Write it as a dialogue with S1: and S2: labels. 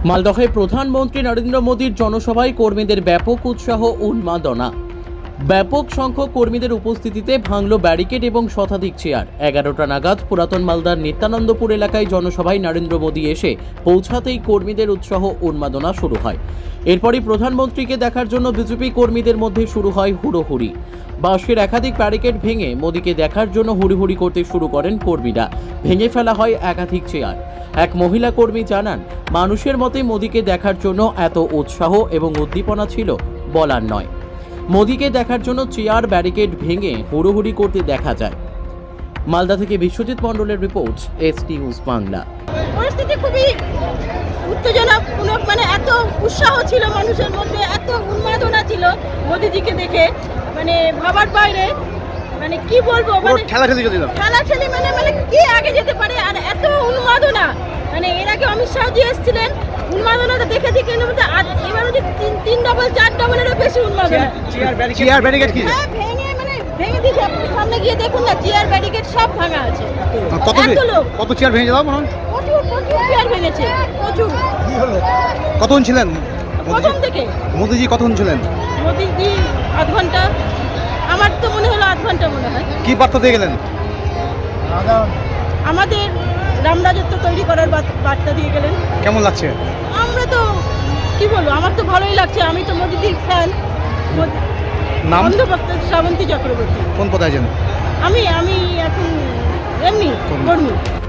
S1: মালদহে প্রধানমন্ত্রী নরেন্দ্র মোদীর জনসভায় কর্মীদের ব্যাপক উৎসাহ উন্মাদনা। ব্যাপক সংখ্যক কর্মীদের উপস্থিতিতে ভাঙল ব্যারিকেড এবং শতাধিক চেয়ার। 11টা নাগাদ পুরাতন মালদার নিত্যানন্দপুর এলাকায় জনসভায় নরেন্দ্র মোদী এসে পৌঁছাতেই কর্মীদের উৎসাহ উন্মাদনা শুরু হয়। এরপরই প্রধানমন্ত্রীকে দেখার জন্য বিজেপি কর্মীদের মধ্যে শুরু হয় হুড়োহুড়ি। বাঁশের একাধিক ব্যারিকেড ভেঙে মোদীকে দেখার জন্য হুড়োহুড়ি করতে শুরু করেন কর্মীরা। ভেঙে ফেলা হয় একাধিক চেয়ার। এক মহিলা কর্মী জানান, মানুষের মতে মোদীকে দেখার জন্য এত উৎসাহ এবং উদ্দীপনা ছিল বলার নয়। মোদীকে দেখার জন্য চেয়ার ব্যারিকেড ভেঙে হুড়োহুড়ি করতে দেখা যায়। মালদা থেকে বিশ্বজিৎ মণ্ডলের রিপোর্ট, এসটি নিউজ বাংলা।
S2: পরিস্থিতি খুবই উত্তেজনাপূর্ণ, মানে এত উৎসাহ ছিল মানুষের মধ্যে, এত উন্মাদনা ছিল মোদিজিকে দেখে, মানে ভাবার বাইরে। মানে কি বলবো, মানে খেলাখেলি মানে কি আগে যেতে পারে, আর এত উন্মাদনা। মানে এর আগে অমিত শাহজি এসেছিলেন, উন্মাদনাটা দেখেছি, কিন্তু এবার হচ্ছে 3 ডবল 4 ডবলেরও বেশি উন্মাদনা।
S3: চেয়ার ব্যারিকেড কি
S2: হ্যাঁ, ভেঙে দিয়েছে। আপনি সামনে গিয়ে দেখুন না, চেয়ার ব্যারিকেড সব ভাঙা আছে।
S3: কত চেয়ার ভেঙে যাও মনে হয়?
S2: প্রচুর চেয়ার ভেঙেছে, প্রচুর।
S3: কতক্ষণ ছিলেন
S2: প্রথম থেকে
S3: মোদিজি? কতক্ষণ ছিলেন
S2: মোদিজি? আধ ঘন্টা, আমার তো মনে হলো আধ ঘন্টা মনে হয়।
S3: কি বার্তা দিয়ে গেলেন?
S2: আমাদের রামরাজত্ব তৈরি করার বার্তা দিয়ে গেলেন।
S3: কেমন লাগছে?
S2: আমরা তো কি বলবো, আমার তো ভালোই লাগছে। আমি তো মোদিজির ফ্যান।
S3: নাম?
S2: বন্দ্যোপাধ্যায় শ্রাবন্তী চক্রবর্তী।
S3: কোন পদে আছেন?
S2: আমি এখন এমনি কর্মী।